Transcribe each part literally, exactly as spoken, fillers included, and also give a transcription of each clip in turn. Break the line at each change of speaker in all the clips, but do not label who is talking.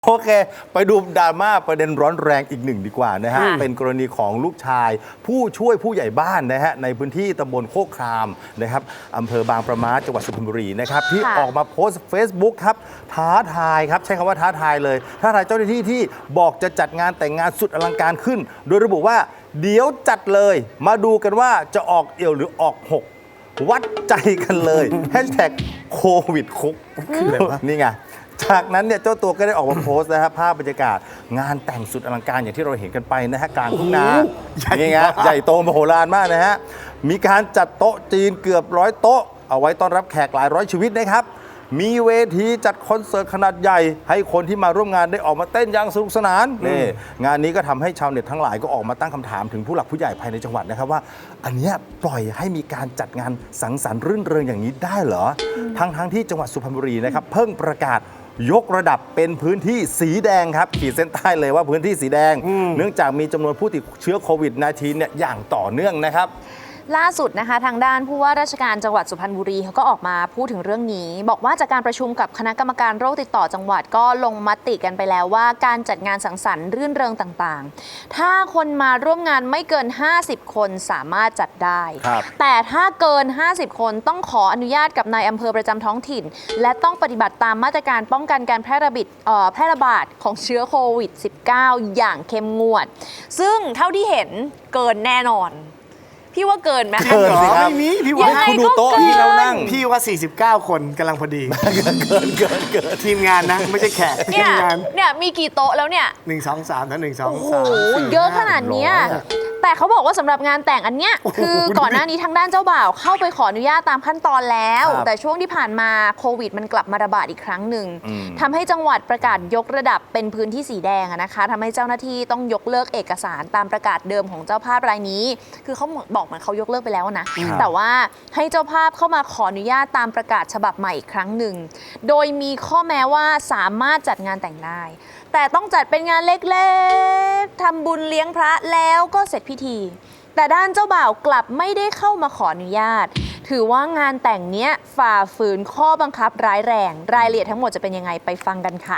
โอเคไปดูดราม่าประเด็นร้อนแรงอีกหนึ่งดีกว่านะฮะเป็นกรณีของลูกชายผู้ช่วยผู้ใหญ่บ้านนะฮะในพื้นที่ตำบลโคกครามนะครับอำเภอบางประมาจังหวัดสุพรรณบุรีนะครับที่ออกมาโพสต์ Facebook ครับท้าทายครับใช้คำว่าท้าทายเลยท้าทายเจ้าหน้าที่ที่บอกจะจัดงานแต่งงานสุดอลังการขึ้น โดยระบุว่าเดี๋ยวจัดเลยมาดูกันว่าจะออกเอี่ยวหรือออกหกวัดใจกันเลยแฮชแท็กโควิดคุกนี่ไงจากนั้นเนี่ยเจ้าตัวก็ได้ออกมาโพสต์นะครับภาพบรรยากาศงานแต่งสุดอลังการอย่างที่เราเห็นกันไปนะฮะกลางทุ่งนานี่ไงใหญ่โตมโหฬารมากนะฮะมีการจัดโต๊ะจีนเกือบร้อยโต๊ะเอาไว้ต้อนรับแขกหลายร้อยชีวิตนะครับมีเวทีจัดคอนเสิร์ตขนาดใหญ่ให้คนที่มาร่วมงานได้ออกมาเต้นอย่างสนุกสนานนี่งานนี้ก็ทำให้ชาวเน็ตทั้งหลายก็ออกมาตั้งคำถามถึงผู้หลักผู้ใหญ่ภายในจังหวัดนะครับว่าอันนี้ปล่อยให้มีการจัดงานสังสรรค์รื่นเริงอย่างนี้ได้เหรอทั้งทั้งที่จังหวัดสุพรรณบุรีนะครับเพิ่งประกาศยกระดับเป็นพื้นที่สีแดงครับขีดเส้นใต้เลยว่าพื้นที่สีแดงเนื่องจากมีจำนวนผู้ติดเชื้อโควิด สิบเก้า เนี่ยอย่างต่อเนื่องนะครับ
ล่าสุดนะคะทางด้านผู้ว่าราชการจังหวัดสุพรรณบุรีเขาก็ออกมาพูดถึงเรื่องนี้บอกว่าจากการประชุมกับคณะกรรมการโรคติดต่อจังหวัดก็ลงมติกันไปแล้วว่าการจัดงานสังสรรค์รื่นเริงต่างๆถ้าคนมาร่วมงานไม่เกินห้าสิบคนสามารถจัดได้แต่ถ้าเกินห้าสิบคนต้องขออนุญาตกับนายอำเภอประจำท้องถิ่นและต้องปฏิบัติตามมาตรการป้องกันการแพร่ระบาดแพร่ระบาดของเชื้อโควิด สิบเก้า อย่างเข้มงวดซึ่งเท่าที่เห็นเกินแน่นอนพี่ว่าเกินไหม
เกินสิครับ
ไม่มีพี่ว่า
คุณดูโต๊ะที่เรานั่ง
พี่ว่าสี่สิบเก้าคนกำลังพอดี
เกินเกินเกินเกิน
ทีมงานนะไม่ใช่แขกทีมงาน
เนี่ยมีกี่โต๊ะแล้วเนี่ย
หนึ่งสองสามนะหนึ่งสอง
สามโอ้โหเยอะขนาดนี้แต่เขาบอกว่าสำหรับงานแต่งอันเนี้ยคือก่อนหน้านี้ทางด้านเจ้าบ่าวเข้าไปขออนุญาตตามขั้นตอนแล้วแต่ช่วงที่ผ่านมาโควิดมันกลับมาระบาดอีกครั้งหนึ่งทำให้จังหวัดประกาศยกระดับเป็นพื้นที่สีแดงนะคะทำให้เจ้าหน้าที่ต้องยกเลิกเอกสารตามประกาศเดิมของเจ้าภาพรายนี้คือเขาบอกเหมือนเขายกเลิกไปแล้วนะแต่ว่าให้เจ้าภาพเข้ามาขออนุญาตตามประกาศฉบับใหม่อีกครั้งหนึ่งโดยมีข้อแม้ว่าสามารถจัดงานแต่งได้แต่ต้องจัดเป็นงานเล็กๆทำบุญเลี้ยงพระแล้วก็เสร็จพิธีแต่ด้านเจ้าบ่าวกลับไม่ได้เข้ามาขออนุญาตถือว่างานแต่งเนี้ยฝ่าฝืนข้อบังคับร้ายแรงรายละเอียดทั้งหมดจะเป็นยังไงไปฟังกันค่ะ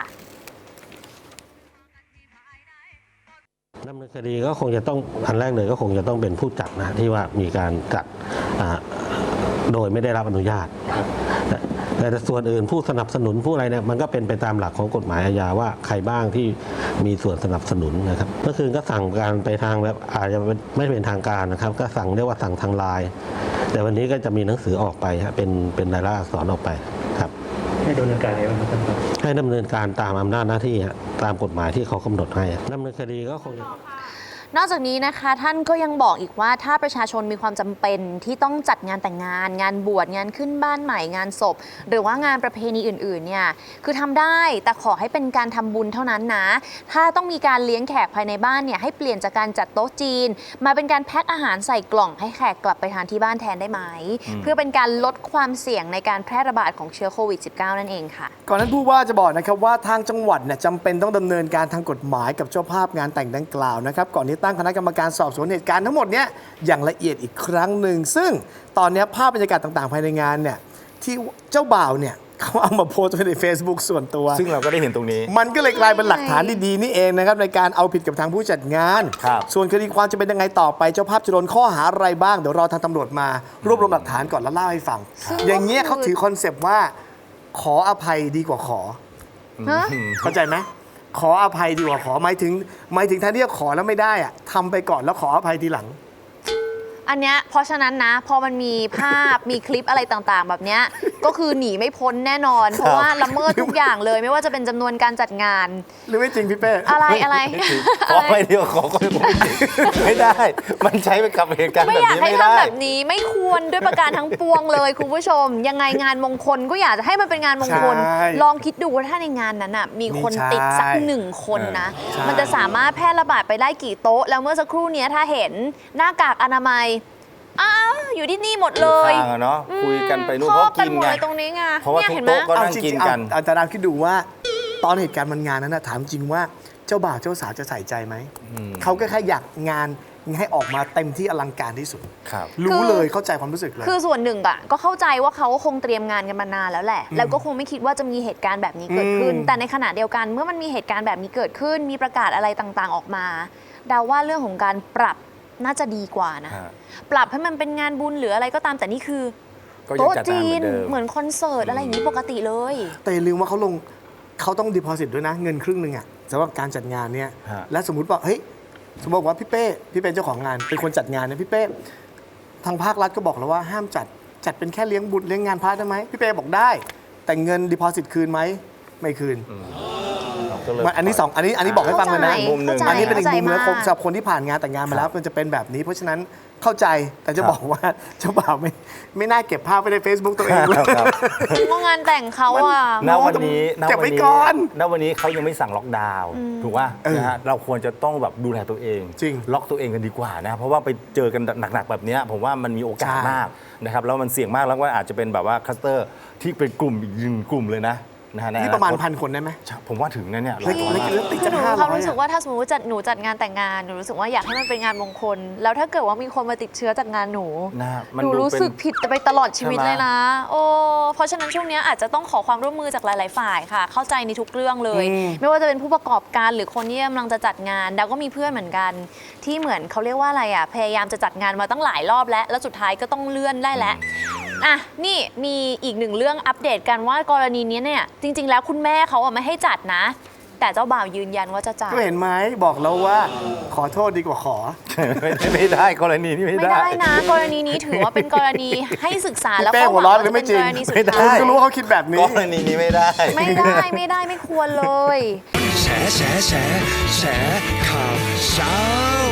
ดำเนินคดีก็คงจะต้องอันแรกเลยก็คงจะต้องเป็นผู้จัดนะที่ว่ามีการจัดโดยไม่ได้รับอนุญาตแต่ส่วนอื่นผู้สนับสนุนผู้อะไรเนี่ยมันก็เป็นไปตามหลักของกฎหมายอาญาว่าใครบ้างที่มีส่วนสนับสนุนนะครับเมื่อคืนก็สั่งการไปทางแบบอาจจะไม่เป็นทางการนะครับก็สั่งเรียกว่าสั่งทางไลน์แต่วันนี้ก็จะมีหนังสือออกไปฮะเป็นเป็นรายลักษณ์อักษรออกไปครับ
ให้ดำเนินการอะไรบ้างครับ
ให้ดำเนินการตามอำนาจหน้าที่ตามกฎหมายที่เขากำหนดให้ดำเนินคดีก็คงจะ
นอกจากนี้นะคะท่านก็ยังบอกอีกว่าถ้าประชาชนมีความจำเป็นที่ต้องจัดงานแต่งงานงานบวชงานขึ้นบ้านใหม่งานศพหรือว่างานประเพณีอื่นๆเนี่ยคือทำได้แต่ขอให้เป็นการทำบุญเท่านั้นนะถ้าต้องมีการเลี้ยงแขกภายในบ้านเนี่ยให้เปลี่ยนจากการจัดโต๊ะจีนมาเป็นการแพ็คอาหารใส่กล่องให้แขกกลับไปทานที่บ้านแทนได้ไหมเพื่อเป็นการลดความเสี่ยงในการแพร่ระบาดของเชื้อโควิด สิบเก้า นั่นเองค่ะ
ก่อนนั้นผู้ว่าจะบอกนะครับว่าทางจังหวัดเนี่ยจำเป็นต้องดำเนินการทางกฎหมายกับเจ้าภาพงานแต่งดังกล่าวนะครับก่อนที่ตั้งคณะกรรมการสอบสวนเหตุการณ์ทั้งหมดเนี้ยอย่างละเอียดอีกครั้งหนึ่งซึ่งตอนนี้ภาพบรรยากาศต่างๆภายในงานเนี่ยที่เจ้าบ่าวเนี่ยเขาเอามาโพสต์ไว้ใน Facebook ส่วนตัว
ซึ่งเราก็ได้เห็นตรงนี้
มันก็เลยกลายเป็นหลักฐานดีๆนี่เองนะครับในการเอาผิดกับทางผู้จัดงานส่วนคดีความจะเป็นยังไงต่อไปเจ้าภาพจะโดนข้อหาอะไรบ้างเดี๋ยวรอทางตำรวจมารวบรวมหลักฐานก่อนแล้วเล่าให้ฟังอย่างเงี้ยเขาถือคอนเซปต์ว่าขออภัยดีกว่าขอเข้าใจไหมขออภัยดีกว่าขอหมายถึงหมายถึงท่านที่ขอแล้วไม่ได้อะทำไปก่อนแล้วขออภัยทีหลัง
อันเนี้ยเพราะฉะนั้นนะพอมันมีภาพ มีคลิปอะไรต่างๆแบบเนี้ยก็คือหนีไม่พ้นแน่นอนเพราะว่าละเมิดทุกอย่างเลยไม่ว่าจะเป็นจำนวนการจัดงาน
หรือไม่จริงพี่เป้
อะไรอะไร
ขอไปเดียวขอก็ไม่ได้มันใช้ไปกับเหตุการณ์แบบนี้ไม่ได้
ไม่อยากให้ทำแบบนี้ไม่ควรด้วยประการทั้งปวงเลยคุณผู้ชมยังไงงานมงคลก็อยากจะให้มันเป็นงานมงคลลองคิดดูว่าถ้าในงานนั้นน่ะมีคนติดสักหนึ่งคนนะมันจะสามารถแพร่ระบาดไปได้กี่โต๊ะแล้วเมื่อสักครู่นี้ถ้าเห็นหน้ากากอนามัยอ้าวอยู่ที่นี่หมดเลย
เนาะคุยกันไปนู่นเพราะกินไง
ตรงนี้ไง
เพราะว่าทุกโต๊ะก็นั่งกินกัน
อาจารย์คิดดูว่าตอนเหตุการณ์มันงานนั้นนะถามจริงว่าเจ้าบ่าวเจ้าสาวจะใส่ใจไหมเขาก็แค่อยากงานให้ออกมาเต็มที่อลังการที่สุด
ครับ
รู้เลยเข้าใจความรู้สึกเลย
คือส่วนหนึ่งอะก็เข้าใจว่าเขาคงเตรียมงานกันมานานแล้วแหละ แล้วก็คงไม่คิดว่าจะมีเหตุการณ์แบบนี้เกิดขึ้น
อืม
แต่ในขณะเดียวกันเมื่อมันมีเหตุการณ์แบบนี้เกิดขึ้น มีประกาศอะไรต่างๆออกมาเดาว่าเรื่องของการปรับน่าจะดีกว่านะ
ฮะ
ปรับให้มันเป็นงานบุญหรืออะไรก็ตามแต่นี่คือ
ก็ยัง
โต๊ะ
จัด
จี
งานเหมือนเดิม
นเหมือนคอนเสิร์ตอะไรอย่างนี้ปกติเลย
แต่อย่าลืมว่าเขาลงเขาต้องดีพอสิตด้วยนะ เงินครึ่งหนึ่งอะสำหรับการจัดงานเนี่ย
ฮะ
และสมมุติว่าเฮ้ยสมมติว่าพี่เป้พี่เป็นเจ้าของงานเป็นคนจัดงานเนี่ยพี่เป้ทางภาครัฐก็บอกแล้วว่าห้ามจัดจัดเป็นแค่เลี้ยงบุญเลี้ยงงานพระได้ไหมพี่เป้บอกได้ แต่เงินดีพอสิตคืนไหมไม่คืน
ก็เลย
มันอันนี้สองอันนี้อันนี้บอกให้ฟังเลยนะ
เข้าใจ
มุมหนึ่ง
เข้าใจ
อันนี้เป็นอีกมุมนึง
เข้าใจ
สำหรับคนที่ผ่านงานแต่งงานมาแล้วมันจะเป็นแบบนี้ เพราะฉะนั้นเข้าใจแต่จะ
ครับ
บอกว่าเจ้าบ่าวไม่ไม่น่าเก็บภาพไว้ใน Facebook ตัวเองเลย
ครับ
ว่างานแต่งเขาอะ
ณวันนี้ณ
เก็บ
วั
ไว้
นี้
ก่อน
ณวันนี้เขายังไม่สั่งล็อกดาวน์ถูกป่ะ
เออ
นะฮะเราควรจะต้องแบบดูแลตัวเอง
จริง
ล็อกตัวเองกันดีกว่านะเพราะว่าไปเจอกันหนักๆแบบเนี้ยผมว่ามันมีโอกาส
ใช่
มากนะครับแล้วมันเสี่ยงมากแล้วก็อาจจะเป็นแบบว่าคลัสเตอร์ที่เป็นกลุ่มอีกหนึ่งกลุ่มเลยนะนะฮะใอ
นี่ประมาณ
คต
พันคนได้ไหม
ผมว่าถึงนะเนี่ยห
แล้
ลา
วย
ร้อย
แล้ว
มาก
แล้วติด
คื
จะ
อหนู
ห้า
มีค
ร้
วาม
อย
รู้สึกว่าถ้าสมมติว่าจัดหนูจัดงานแต่งงานหนูรู้สึกว่าอยากให้มันเป็นงานมงคล แล้วถ้าเกิดว่ามีคนมาติดเชื้อจากงานหนู
นะฮะมัน
หนู
ดู
รู้
เป็น
สึกผิดไปตลอดชีวิต
ใช่ไหม
เลยนะ โอ้เพราะฉะนั้นช่วงเนี้ยอาจจะต้องขอความร่วมมือจากหลาย ๆ ฝ่ายค่ะ เข้าใจในทุกเรื่องเลย
อืม
ไม่ว่าจะเป็นผู้ประกอบการหรือคนที่กำลังจะจัดงานดาวก็มีเพื่อนเหมือนกัน ที่เหมือนเขาเรียกว่าอะไรอ่ะพยายามจะจัดงานมาตั้งหลายรอบแล้ว แล้วสุดท้ายก็ต้องเลื่อนได้แล้ว อ่ะนี่มีอีกหนึ่งเรื่องอัปเดตกันว่ากรณีนี้เนี่ยจริง ๆ แล้วคุณแม่เขาอะไม่ให้จัดนะ แต่เจ้าบ่าวยืนยันว่าจะจัด
ก็เห็นไหมบอกแล้วว่าขอโทษดีกว่าขอ
ไม่ได้ไม่ได้กรณีนี้ไม่
ไม่
ได้
ได้นะ กรณีนี้ถือว่าเป็นกรณีให้ศึกษา
พี่
แล้ว
เป้
ก็
หัว
หวัง
ร้อน
ว่า
หรือ
จะ
ไม่
เป็น
จริ
ก
ง
รณีสุด
ไม่ได้
ท้าย
คุณก็รู้ว่าเขาคิดแบบนี้
กรณีนี้ไม่ได้
ไม่ได้ไม่ได้ไม่ควรเลย
แฉแฉแฉแฉข่าวเช้า